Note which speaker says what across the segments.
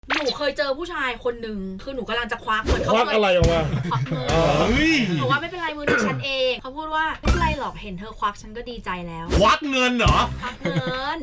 Speaker 1: หนูเคยเจอผู้ชายคนหนึ่งคือหนูกำลังจะควักเหมือนเขา
Speaker 2: ควักอะไรออกมา
Speaker 1: ควักเงินหนูว่าไม่เป็นไรมือถือฉันเองเขาพูดว่าไม่เป็นไรหรอกเห็นเธอควักฉันก็ดีใจแล้ว
Speaker 3: ควักเงินเหรอ
Speaker 1: ควักเงิน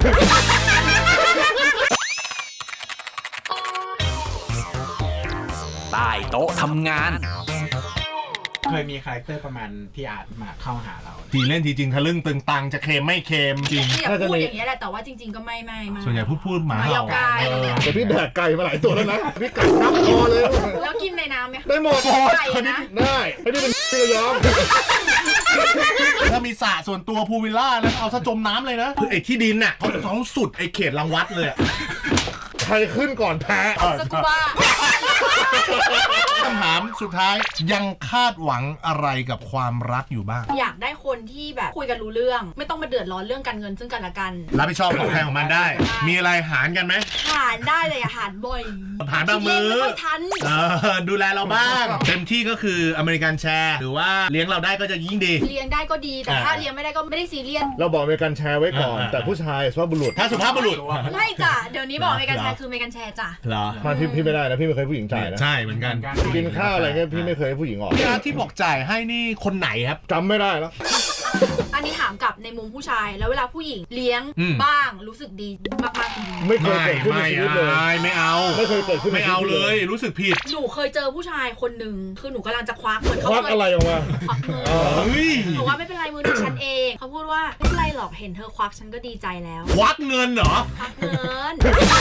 Speaker 4: ใต้โต๊ะทำงาน
Speaker 5: เคยมีคาแรคเตอร์ประมาณพี่อาร์ตมาเข้าหาเรา
Speaker 3: ทีเล่นทีจริงทะลึ่งตึงตังจะเค็มไม่เค็มจริง
Speaker 1: อยากพูดอย่างนี้แหละแต่ว่าจริงๆก็ไม่
Speaker 3: ส่วนใหญ่พูดหมา
Speaker 1: หมา
Speaker 3: เห่า
Speaker 1: เห่าไก่
Speaker 2: แต่พี่แดกไก่มาหลายตัวแล้วนะพี่ไก่นับคอเลย
Speaker 1: แล้วกินในน้ำไหม
Speaker 2: ได้หมด
Speaker 1: ไก่นะ
Speaker 2: ได้ให้นี่เป็นพี่ยอม
Speaker 3: ถ้ามีสระส่วนตัวพูลวิลล่าแล้วเอาซะจมน้ำเลยนะคือไอ้ที่ดินน่ะเขาสุดไอ้เขตรังวัดเลยอะ
Speaker 2: ใครขึ้นก่อนแพ้
Speaker 1: สกูบ้า
Speaker 3: คำถามสุดท้ายยังคาดหวังอะไรกับความรักอยู่บ้าง
Speaker 1: อยากได้คนที่แบบคุยกันรู้เรื่องไม่ต้องมาเดือดร้อนเรื่องการเงินซึ่งกันและกัน
Speaker 3: รับผิดชอบของใครของมันได้ มีอะไรหารกันไหม
Speaker 1: หารได้เลยอะหารบ่อย
Speaker 3: หารบางมื้อ
Speaker 1: ไม่ค่อยทัน
Speaker 3: ดูแลเราบ้าง เต็มที่ก็คืออเมริกันแชร์หรือว่าเลี้ยงเราได้ก็จะยิ่งดี
Speaker 1: เลี้ยงได้ก็ดีแต่ถ้าเลี้ยงไม่ได้ก็ไม่ได้ซีเรียส
Speaker 2: เราบอกมีการแชร์ไว้ก่อน แต่ผู้ชายสุภาพบุรุษ
Speaker 3: ถ้าสุภาพบุรุษ
Speaker 1: ไม่จ้ะเดี๋ยวนี้บอกเมกันแชร์คือเมกันแชร์จ้ะ
Speaker 3: เหรอ
Speaker 2: มาพี่ไม่ได้นะพี่ไม่เคยผู้หญิงจ่ายนะ
Speaker 3: ใช่เหมือนกัน
Speaker 2: กินข้าวอะไรเงี้ยพี่ไม่เคยให้ผู้หญิงออก
Speaker 3: พี่อาร์ตที่บอกจ่ายให้นี่คนไหนครับ
Speaker 2: จำไม่ได้แล้ว
Speaker 1: อันนี้ถามกลับในมุมผู้ชายแล้วเวลาผู้หญิงเลี้ยง
Speaker 3: อืม
Speaker 1: บ้างรู้สึกดีมากๆจริง
Speaker 2: ไม่เคยเกิดขึ้นในชีวิตเลย
Speaker 3: ไม่เอา
Speaker 2: ไม่เคยเกิดขึ้นใน
Speaker 3: ไม่
Speaker 2: ชี
Speaker 3: เอา
Speaker 2: วิต
Speaker 3: เลย รู้สึกผิด
Speaker 1: หนูเคยเจอผู้ชายคนหนึ่งคือหนูกำลังจะควักเหมือนเขา
Speaker 2: ควักอะไรออกมา
Speaker 1: ควักเงิน
Speaker 3: เฮ้ย
Speaker 1: หนูว่าไม่เป็นไรมือถือฉันเองเขาพูดว่าไม่เป็นไรหรอกเห็นเธอควักฉันก็ดีใจแล้ว
Speaker 3: ควักเงินเหรอ
Speaker 1: ควักเงิน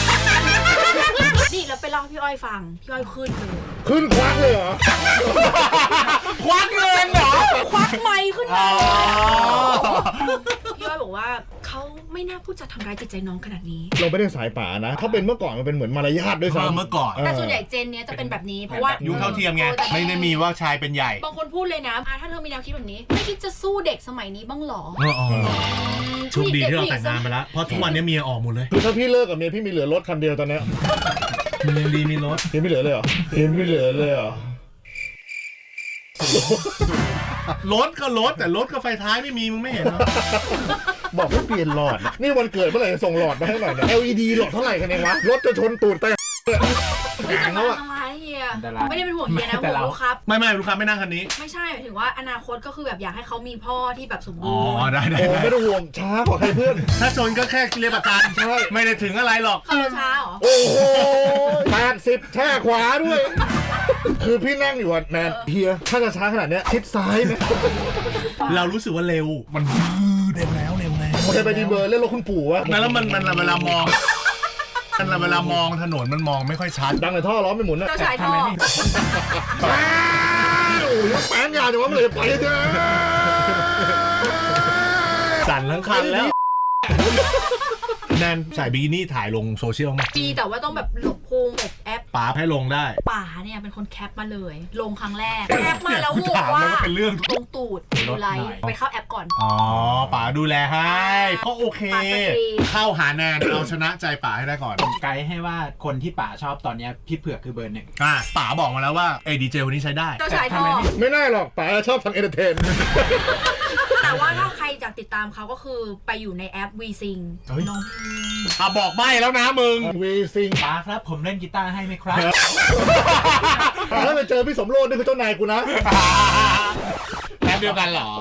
Speaker 1: นี่แล้วไปเล่าให้พี่อ้อยฟังพี่อ้อยขึ้นเลย
Speaker 2: ขึ้นควักเลยเหรอ
Speaker 3: ควักเงินเหรอ
Speaker 1: ควักไมค์ขึ้นมา
Speaker 3: อ๋อ
Speaker 1: พี่อ้อยบอกว่าเขาไม่น่าพูดจะทำร้ายจิตใจน้องขนาดนี้
Speaker 2: เราไม่ได้สายป่านะ ถ้าเป็นเมื่อก่อนมันเป็นเหมือนมารยาทด้วยซ้ำ
Speaker 3: เมื่อก่อน
Speaker 1: แต่ส่วนใหญ่เจนเนี้ยจะเป็นแบบนี้เพราะว่า
Speaker 3: ยุคเท่าเทียมไง
Speaker 1: แต่
Speaker 3: ไม่ได้มีว่าชายเป็นใหญ่
Speaker 1: บางคนพูดเลยนะถ้าเธอมีแนวคิดแบบนี้ไม่คิดจะสู้เด็กสมัยนี้บ้างหรอ
Speaker 3: โชคดีที่เราแต่งงานไปแล้ว เพราะทุกวันนี้เมียออกหมดเลย
Speaker 2: คือถ้าพี่เลิกกับเมียพี่มีเหลือรถคันเดียวตอนเนี้ย
Speaker 3: มันยังดีมีรถ
Speaker 2: พี่ไม่เหลือเลยเหรอพี่ไม่เหลือเลยเหรอ
Speaker 3: รถก็รถแต่รถกับไฟท้ายไม่มีมึงไม่เห็นเหรอ
Speaker 2: บอกให้เปลี่ยนหลอด นี่วันเกิดเมื่อไหร่จะส่งหลอดมาให้หน่อยเนี่ย LED หลอดเท่าไหร่กันเองวะ รถจะชนตูดแต่
Speaker 1: ไม่จะ
Speaker 2: แข็งแล้
Speaker 1: มาว
Speaker 2: อะ
Speaker 1: ทำร้ายเฮีย
Speaker 5: อันตราย
Speaker 1: ไม่ได้เป็นห่วงเฮียนะห่วงลูกครับ
Speaker 3: ไม่ลูกค้าไม่นั่งคันนี้
Speaker 1: ไม่ใช่หมายถึงว่าอนาคตก็คือแบบอยากให้เขามีพ่อที่แบบสมบู
Speaker 3: อ๋
Speaker 1: ร
Speaker 3: อ
Speaker 1: ณ์
Speaker 3: ได้
Speaker 2: โอ้ไม่ต้องห่วงช้ากว่าใครเพื่อน
Speaker 3: ถ้าชนก็แค่เรียกประกัน
Speaker 2: ใช่
Speaker 3: ไม่ได้ถึงอะไรหรอก
Speaker 1: ขับรถช้าเหรอ
Speaker 2: โอ้โห80แช่ขวาด้วย คือพี่นั่งอยู่อะแนนเฮียถ้าจะช้าขนาดเนี้ยชิดซ้ายไหม
Speaker 3: เรารู้สึกว่าเร็ว มันเร็วแล้ว
Speaker 2: โอเคไปดีเบอร์เล่นรถคุณปู่วะ
Speaker 3: แล้วมันเวลามองถนนมันมองไม่ค่อยชัด
Speaker 2: ดังในท่อล้อไม่หมุนอะ
Speaker 1: เจ้าชายท่อ
Speaker 2: โอ้ยแป้งยาวจังวะมันเลยไปเถอะ
Speaker 3: สั่นทั้งคันแล้ว แนนใส่บิกินี่ถ่ายลงโซเชียลมั้ย
Speaker 1: ปีแต่ว่าต้องแบบหลบพุงหลบแอป
Speaker 3: ป๋าให้ลงได้
Speaker 1: ป่าเนี่ยเป็นคนแคปมาเลย ลงครั้งแรกแคปมาแล้วโหวต
Speaker 3: ถาม
Speaker 1: ว่า
Speaker 3: แล้วก็เป็นเรื่อง
Speaker 1: ลงตูดดูไลค์ไปเข้าแอปก่อน
Speaker 3: อ๋อป๋าดูแลให้ก็โอเค
Speaker 1: ป๋าสตรี
Speaker 3: เข้าหาแนนเอาชนะใจป๋าให้ได้ก่อน
Speaker 5: ผมไกด์ให้ว่าคนที่ป๋าชอบตอนเนี้ยพี่เผือกคือเบอร์ 1
Speaker 3: ป๋าบอกมาแล้วว่าไอ้ดีเจคนนี้ใช้ได้
Speaker 1: เจ้าชายท่อ
Speaker 2: ไม่น่าหรอกป๋าชอบทำเอนเตอร์เทน
Speaker 1: แต่ว่าถ้าใครอยากติดตามเขาก็คือไปอยู่ในแอป VSing
Speaker 3: เฮ้ย
Speaker 1: น้องเพลง
Speaker 3: บอกใบ้แล้วนะมึง
Speaker 2: วีซิง
Speaker 5: ป๋าครับผมเล่นกีตาร์ให้ไหมครับ
Speaker 2: ถ้าไปเจอพี่สมโรจน์นี่คือเจ้านายกูนะ
Speaker 3: แป๊บเดียวกันเหรอ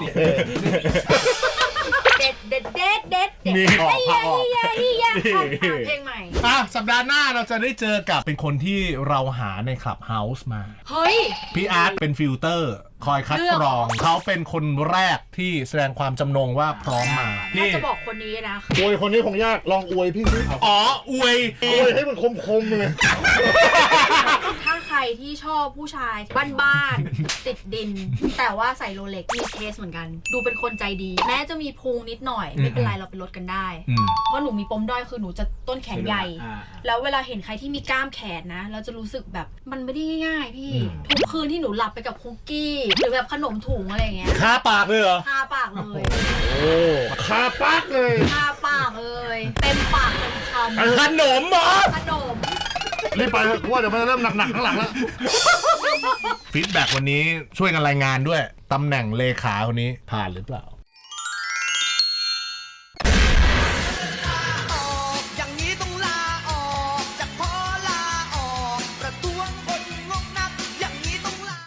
Speaker 1: เด็ด
Speaker 3: นี่ออกภาพออก
Speaker 1: เฮียเพลงใหม่
Speaker 3: สัปดาห์หน้าเราจะได้เจอกับเป็นคนที่เราหาในคลับเฮาส์มา
Speaker 1: เฮ้ย
Speaker 3: พี่อาร์ตเป็นฟิลเตอร์ คอยคัดกรอง เขาเป็นคนแรกที่แสดงความจำนงว่าพร้อมมา
Speaker 1: ถ้าจะบอกคนนี้นะ
Speaker 2: อวยคนนี้คงยาก ลองอวยพี่สิ
Speaker 3: อ๋อ อวย
Speaker 2: อวยให้มันคมๆเลย
Speaker 1: ถ้าใครที่ชอบผู้ชายบ้านๆ ติดดิน แต่ว่าใส่โรเล็กมีเคสเหมือนกัน ดูเป็นคนใจดี แม้จะมีพุงนิดหน่อย ไม่เป็นไรเราไปลดกันได้ เพราะหนูมีปมด้อยคือหนูจะต้นแขนใหญ่ แล้วเวลาเห็นใครที่มีกล้ามแขนนะ เราจะรู้สึกแบบมันไม่ได้ง่ายๆพี่ ทุกคืนที่หนูหลับไปกับคุกกี้ หรือแบบขนมถุงอะไรอย่างเงี้ย
Speaker 3: คาปากเลยเหรอ
Speaker 1: คาปากเลย
Speaker 2: โอ้คาปักเลย
Speaker 1: คาปากเลย เต็มปากเต็มคำ
Speaker 3: ขนมเหรอ
Speaker 1: ขนม
Speaker 2: รีบไปเถอะกูว่าเดี๋ยวมันจะเริ่มหนักๆข้างหลังแล้ว
Speaker 3: ฟีดแบ็กวันนี้ช่วยกันรายงานด้วย ตำแหน่งเลขาคนนี้ผ่านหรือเปล่า